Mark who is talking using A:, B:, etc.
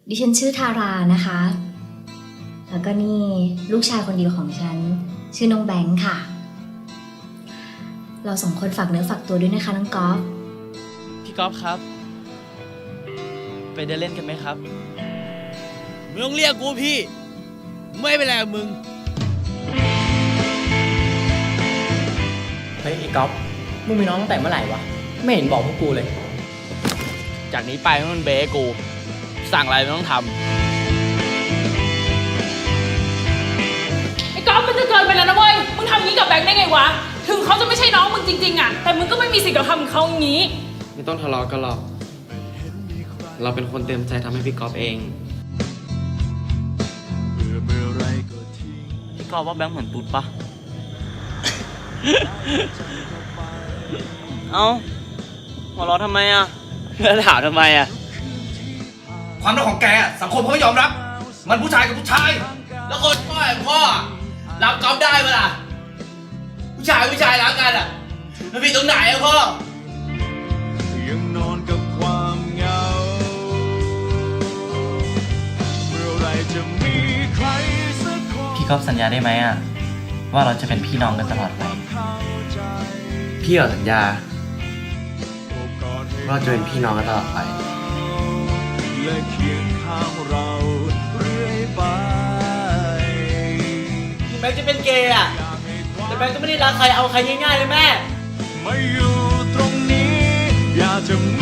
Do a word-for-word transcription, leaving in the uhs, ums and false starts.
A: ดิฉันชื่อทารานะคะ แล้วก็นี่ลูกชายคนเดียวของฉันชื่อน้องแบงค์ค่ะ เราสองคนฝากเนื้อฝากตัวด้วยนะคะน้องกอล์ฟ
B: พี่ก๊อฟครับ ไปเดินเล่นกันไหมครับ
C: มึงต้องเรียกกูพี่ ไม่เป็นไรกับมึง
D: เฮ้ยไอ้ก๊อฟมึงมีน้องตั้งแต่เมื่อไหร่วะไม่เห็นบอกพวกกูเลย
C: จากนี้ไปมันเบสกู สั่งอะไรมันต้องทำ
E: ไอ้ก๊อฟมันจะเกินไปแล้วนะเว้ย มึงทำอย่างนี้กับแบงค์ได้ไงวะ ถึงเขาจะไม่ใช่น้องมึงจริงๆอะแต่มึงก็ไม่มีสิทธิ์กับทำกับเขาอย่างนี้
F: ไม่ต้องทะเลาะกันหรอก เราเป็นคนเต็มใจทำให้พี่ก๊อฟเอง
B: พี่ก๊อฟว่าแบงค์เหมือนตุ๊ดปะ เอ้าหัวเราะทำไมอ่ะ
C: แล้วถามทำไมอ่ะ
G: ความรักของแกอะสังคมเขาไม่ยอมรับ มันผู้ชายกับผู้ชาย
C: แล้วคนพ่ออย่างพ่ออะรับก๊อฟได้ปะล่ะ ผู้ชายผู้ชายรักกันอ่ะ มันผิดตรงไหนอะพ่อ
H: ยังนอนกับความเหงาเมื่อไรจะมีใครสักคน
D: พี่ก๊อฟสัญญาได้ไหมอ่ะว่าเราจะเป็นพี่น้องกันตลอดไป
F: พี่ขอสัญญาว่าจะเป็นพี่น้องกันตลอดไป
H: และเคียงข้างเราเรื่อยไป
B: แบงค์จะเป็นเกย์อ่ะ แต่แบงค์ก็ไม่ได้รักใครเอาใครง่ายๆเลยแม่
H: มาอยู่ตรงนี้ อยากจะ